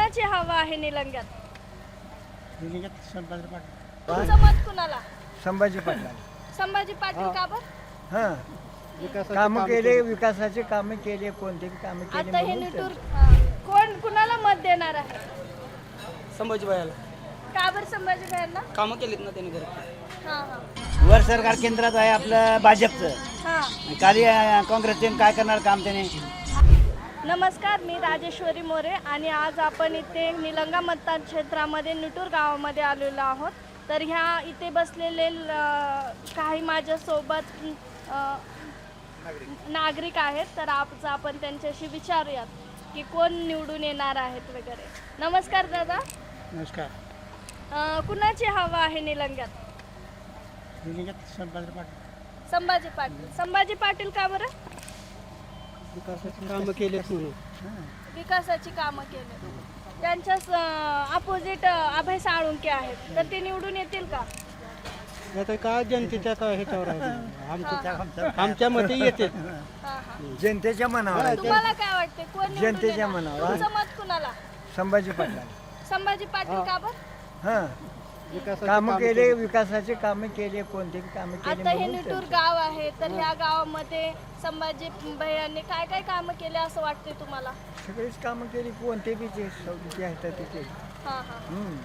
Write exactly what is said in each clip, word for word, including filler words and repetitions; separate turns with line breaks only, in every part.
कुणाची हवा आहे निलंग्यात?
निलंग्यात संभाजी पाटील.
तुमचं मत कुणाला?
संभाजी पाटील.
संभाजी पाटील का बरं?
हां, कामं केले, विकासाचे कामं केले, कोणते कामं केले
आता हे
म्हणून
निटूर
तर.
हा. कोण कुणाला मत देणार आहे?
संभाजी भायला
का बरं संभाजी भाईंना?
कामं केलीत ना त्यांनी घरात.
हा हा
वर सरकार केंद्रात आहे आपलं भाजपचं.
हा.
खाली काँग्रेसचे काय करणार काम त्याने.
नमस्कार, मी राजेश्वरी मोरे आणि आज आपण इथे निलंगा मतदार क्षेत्रामध्ये निटूर गावामध्ये आलेलो आहोत. तर ह्या इथे बसलेले ल- काही माझ्यासोबत अ, नागरिक आहेत. तर आज आपण त्यांच्याशी विचारूयात की कोण निवडून येणार आहेत वगैरे. नमस्कार दादा,
नमस्कार.
अ, कुणाची हवा आहे निलंग्यात?
निलंग्यात संभाजी पाटील.
संभाजी पाटील. संभाजी पाटील का बरं?
विकासाचे कामं केले म्हणून.
विकासाची कामं केले. त्यांच्याच अपोजिट अभय साळुंके आहेत, तर ते निवडून येतील का?
आता काय जनतेच्या का ह्याच्यावर आहे आमच्या आमच्या मते येते.
हा, हा.
जनतेच्या मनावर आहे.
तुम्हाला काय वाटते कोण निवडून
जनतेच्या
येणार?
मनावर.
तुमचं मत कुणाला?
संभाजी पाटील.
संभाजी पाटील का बरं?
हां, कामं केले, विकासाचे कामं केले, कोणते कामं केले
आता हे
म्हणून
निटूर
तर.
गाव आहे, तर ह्या गावामध्ये संभाजी भैयांनी काय काय कामं केले असं वाटते तुम्हाला?
सगळीच कामं केली, कोणते बी जे सवलती आहेत ते केली.
हा हा.
हम्म.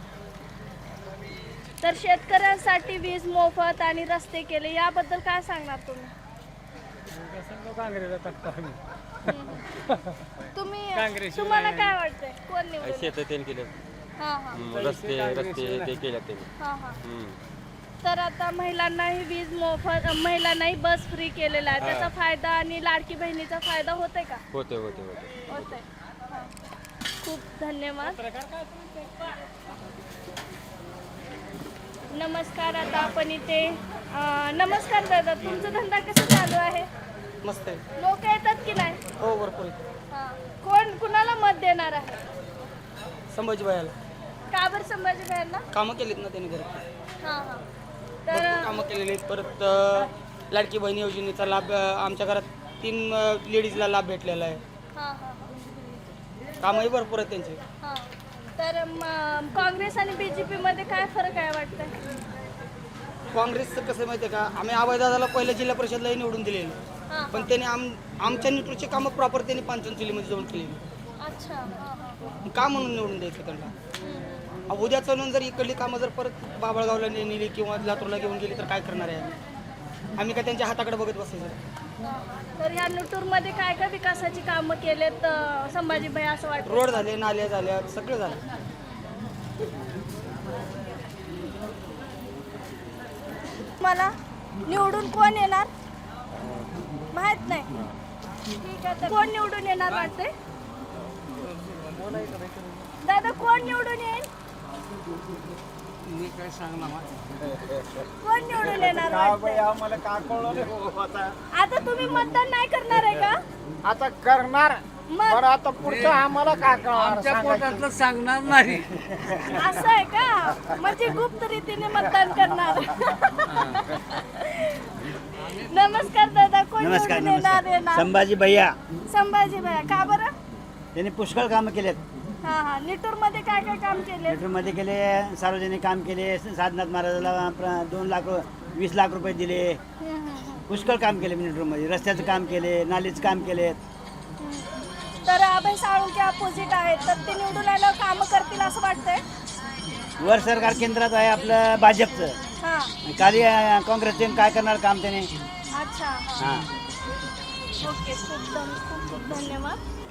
तर शेतकऱ्यांसाठी वीज मोफत आणि रस्ते केले, याबद्दल काय सांगणार तुम्ही?
काँग्रेसला टाकतो आम्ही.
तुम्ही तुम्हाला काय वाटतंय कोण निवडून?
शेत त्यांनी केले
हा हा
रस्ते रस्ते ते केले त्यांनी.
हा हा. तर आता महिलांनाही वीज मोफत, महिलांनाही बस फ्री केलेला आहे, त्याचा फायदा आणि लाडकी बहिणीचा फायदा होतोय का?
होते होते होते
होतंय. हा. खूप धन्यवाद. नमस्कार, आता आपण इथे अं, नमस्कार दादा, तुमचा धंदा कसा चालू आहे?
मस्त आहे.
लोक येतात की नाही?
हो, भरपूर आहे.
हा. कोण कुणाला मत देणार आहे?
संभाजी भायला
का बरं संभाजी भाईंना?
कामं केलीत ना त्यांनी घरात.
हा हा.
भरपूर
तर
कामं केलेली आहेत. परत अ, लाडकी बहीण योजनेचा लाभ अ, आमच्या घरात तीन लेडीजला लाभ भेटलेला आहे.
हा हा
कामही भरपूर आहेत त्यांचे.
हा. तर म- काँग्रेस आणि बीजेपी मध्ये काय फरक आहे वाटतं?
काँग्रेसचं कसं माहिती आहे का, आम्ही अभयदादाला पहिल्या जिल्हा परिषदलाही निवडून दिलेलं,
हा.
पण त्यांनी आम आमच्या निटूरची कामं प्रॉपर त्यांनी पांचनचुलीमध्ये जाऊन केलेली.
अच्छा. हा हा.
का म्हणून निवडून द्यायचं त्यांना?
हम्म.
अहो, उद्या चालून जर इकडली कामं जर परत बाबळगावला ने- नेली किंवा लातूरला घेऊन गेली तर काय करणार आहे आम्ही? आम्ही काय त्यांच्या हाताकडे बघत बसायचं?
हा. तर ह्या निटूरमध्ये काय काय विकासाची कामं केलेत अं, संभाजी भाई असं वाटतं?
रोड झाले, नाल्या झाल्या, सगळं झालं.
मला निवडून कोण येणार माहित नाही. ठीक आहे, तर कोण निवडून येणार वाटते? दादा, कोण निवडून येईल?
मी काय सांगणार
कोण निवडून येणार वाटते?
आम्हाला का कळलं
आता तुम्ही मतदान नाही करणार आहे का?
आता करणार.
मग
बरं, आता पुढचं आम्हाला का कळणार
सांगणार नाही.
असं आहे का? म्हणजे गुप्त रीतीने मतदान करणार. नमस्कार दादा, कोण
नमस्कार
निवडून येणार
नमस्कार.
येणार?
संभाजी भैया
संभाजी भैया का बरं?
त्यांनी पुष्कळ कामं केलेत.
हा हा. निटूर मध्ये काय काय काम केले?
मध्ये केले, सार्वजनिक काम केले, साधनाथ महाराजाला प्र- दोन लाख वीस लाख रुपये दिले. पुष्कळ काम केले मध्ये. रस्त्याचं काम केले, नालीचं काम केले.
तर अभय साळुंके अपोजिट आहेत, तर ते निवडून आल्यावर कामं करतील असं वाटतंय?
वर सरकार केंद्रात आहे आपलं भाजपचं.
हा.
खाली काँग्रेसचे काय करणार काम त्याने.
अच्छा. हा.
हां.
ओके, खूप धन- खूप खूप धन्यवाद.